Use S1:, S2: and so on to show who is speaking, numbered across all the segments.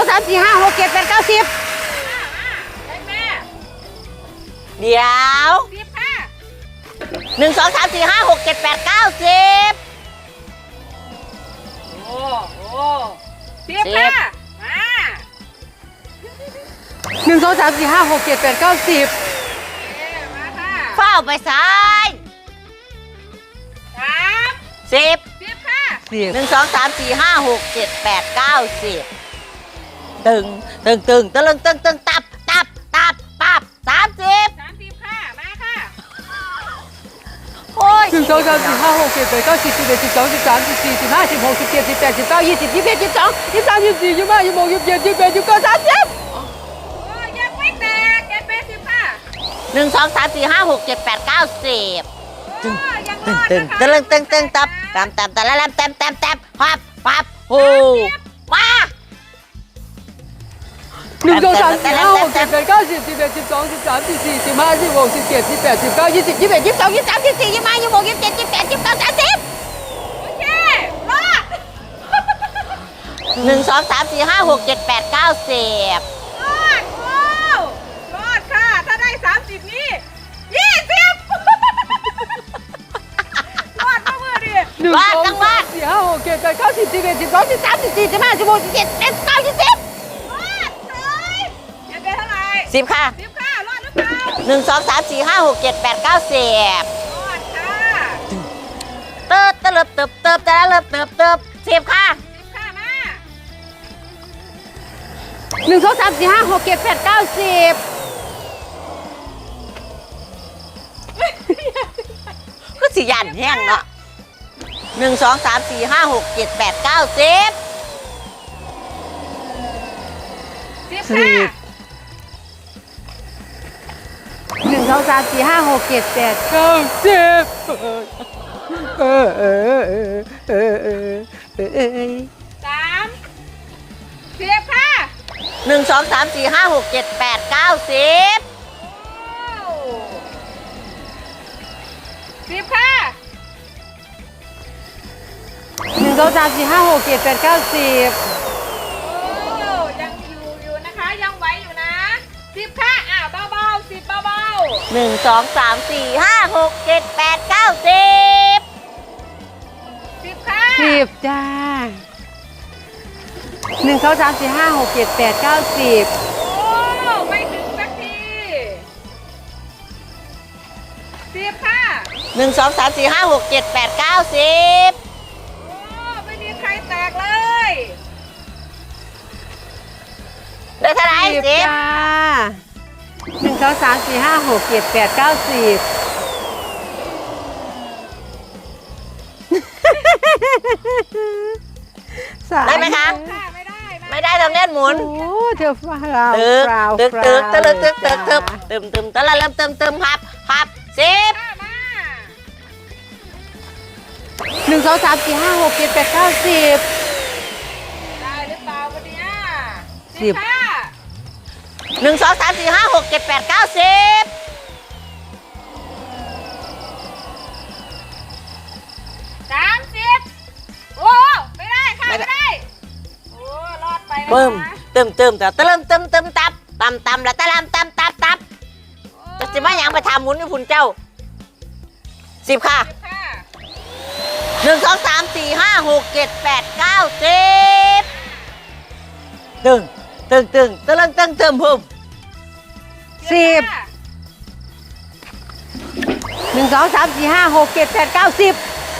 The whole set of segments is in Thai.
S1: 3 4 5 6 7 8 9 10
S2: เดี๋ยว1 2 3 4 5 6 7 8 9 10
S3: โอ้10ค่ะมา
S1: 1 2 3 4 5 6 7 8 9 10
S3: มาค่ะ
S2: เฝ้าไปซ้าย
S3: 3
S2: 10
S3: 10ค่ะ
S1: 10
S2: 1 2 3 4 5 6 7 8 9 10ตึงตึงตึงตะลึงตึงตึงตับตับตับตับ30
S3: 30ค่ะมาค่ะ
S2: โอ้ย
S1: 1 2 3 4 5 6 7 8 9 10 11 12 13 14 15 16 17 18 19 20 21 22 23 24 25 26 27 28 29 30
S3: โอ้ยังไม่แตกเก็บไป10ค่ะ
S2: 1 2 3 4 5 6 7 8 9 10
S3: โอ้ยังร
S2: ตึง
S3: อด
S2: ตึง
S3: นะคะ
S2: ตะลึงตึงตึงตับตามตามตะละลำเต็มเต็มเต็มพับพับโอ้มา
S1: 1 2 3 4 5 6 7 8 9 10 11 12 13 14 15 16 17 18 19 20 21 22 23 24 25 26 27 28 29 30
S3: โอเครอด
S2: 1 2 3 4 5 6 7 8 9 10
S3: รอดโอ้รอดค่ะ ถ้าได้30นี่20รอดมาเมื่อดิ
S1: 1 2 3 4 5 6 7 8 9 10 11 12 13 14 15 16 17 18 19 20
S3: รอดเลยเก็บไปเท่าไหร่
S2: 10ค่ะ
S3: 10ค่ะรอดหรือเปล่า
S2: 1 2 3 4 5 6 7 8 9 10
S3: รอดค่ะ
S2: เติบตะเลิบเติบเติบตะละเลิบเติบเติบ10ค่ะ
S3: 10ค่ะมา
S1: 1 2 3 4 5 6 7 8 9 10
S2: ก็สิยันแห้งเนาะ1 2 3 4 5 6 7 8 9 10
S3: 10ค่ะ
S1: 1 2 3 4 5 6 7 8 9 10
S3: 30ค่ะ
S2: 1 2 3 4 5 6 7 8 9 10
S3: โอ้10ค่ะ
S1: 1 2 3 4 5 6 7 8 9 10
S3: โอ้ยังอยู่นะคะยังไหวอยู่นะ10ค่ะอ้าวเบาๆ10เบา
S2: 1 2 3 4 5 6 7 8 9 10
S3: ๆ10ค่ะ
S1: 10จ้า1 2 3 4 5 6 7 8 9 10
S3: โอ้ไม่ถึงสักที10ค่ะ
S2: 1 2 3 4 5 6 7 8 9 10
S3: โอ้ไม่มีใครแตกเลย
S2: ได้เท่าไหร่
S1: 10จ้า1 2 3 4 5 6 7 8 9 10
S2: ได้ไหมคะ
S3: ค่ะไม่ได้นะ
S2: ไม่ได้ทำเล่นหมุน
S1: โอ้เธอฟ้าเรา
S2: ตึก
S1: ฟราว
S2: ตึก
S1: ฟราว
S2: ตึกตะลึกตึกตึกตึก
S1: จ้า
S2: ตึมตึมตะละเริ่มตึมตึมพับพับ10
S3: ค่ะมา
S1: 1 2 3 4 5 6 7 8 9 10
S3: ได้หรือเปล่าวันเนี้ย
S1: 10
S3: ค่ะ
S2: 1 2 3 4 5 6 7 8 9 10
S3: 30โอ้ไม่ได้ค่ะไม่ได้โอ้รอดไปนะคะ
S2: ปึ้มตึมตึมแต่ตะเริ่มตึมตึมตับตำตำละตะลำตำตับตับจะสิมาหยังไปทำหมุนให้พุ่นเจ้า10ค่ะ
S3: 10ค่ะ
S2: 1 2 3 4 5 6 7 8 9 10ตึงตึงตึงตะเริ่มตึงตึมพุ่ม
S1: 10 1 2 3 4 5 6 7 8 9 10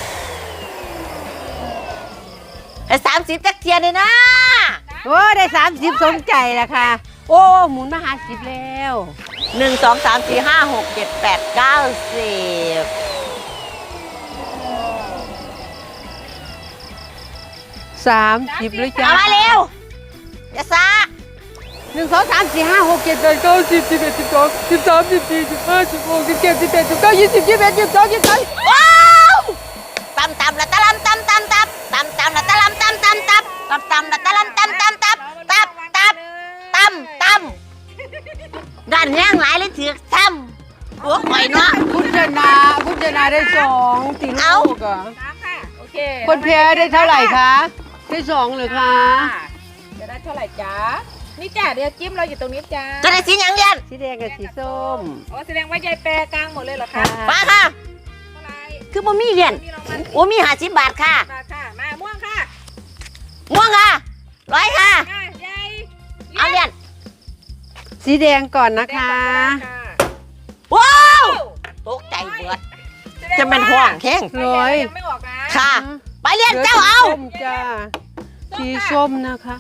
S2: ไอ้30จักเทียนเลยนะ
S1: โอ้ได้30สมใจแล้วค่ะ โอ้หมุนมาหา10แล้ว
S2: 1 2 3 4 5 6 7 8 9 10
S1: 30เลยจ้า
S2: เอามาเร็วอย่าซา
S1: 1 2 3 4 5 6 7 8 9 10 11 12 13 14 15 16 17 18 19 20 21 22 23
S2: ว้าวตำตำละตะลำตำตำตับตำตำละตะลำตำตำตับตำตำละตะลำตำตำตับตับตับตำตำดันแห้งหลายเลยถือทำหัวข่อยเนาะ
S1: คุณชนะได้2ตีลูกอ่ะ
S3: 3ค่ะโอเค
S1: คนแพ้ได้เท่าไหร่คะ ได้2เหรือคะ
S3: จะได้เท่าไหร่จ๊ะนี่จ้ะเดี๋ยวจิ้มเราอยู่ตรงนี้จ้า
S2: จะได้สีหยังเย็น
S1: สีแดงกับสีส้ม
S3: โอ้แสดงว่ายายแปรกลางหมดเลยเหรอคะ
S2: มาค่ะ
S3: เท่าไหร่
S2: คือบ่มีเหรียญ
S3: นี่รางวัล
S2: โอ้มี50 บาทค่ะ
S3: มาค่ะมาม่วงค่ะ
S2: ม่วงค่ะ100ค่ะ
S3: มายาย
S2: เอาเหรียญ
S1: สีแดงก่อนนะคะ
S2: ว้าวตกใจเบิดจะเป็นห่วงแข้ง
S1: ร้อย
S3: ยังไม่ออกนะ
S2: ค่ะ ไปเหรียญเจ้าเอา
S1: ส้มจ้าสีส้มนะคะ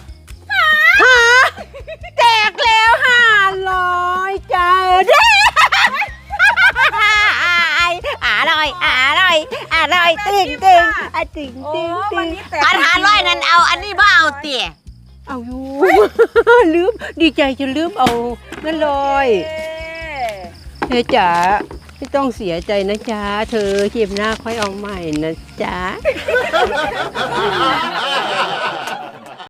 S1: แจกแล้ว500จ้าเด้
S2: อร่อยตึงตึง
S1: ตึง
S3: โอ้
S1: ตึงตึ
S3: วัน
S1: ง
S3: นี้แตก
S2: อัน500นั่นเอาอันนี้บ่เอาเตี๋ย
S1: เอาอยู่ ลืมดีใจจนลืมเอานั่นเลย เธอจ๋าไม่ต้องเสียใจนะจ๊ะเธอเทียมหน้าค่อยเอาใหม่นะจ๊ะ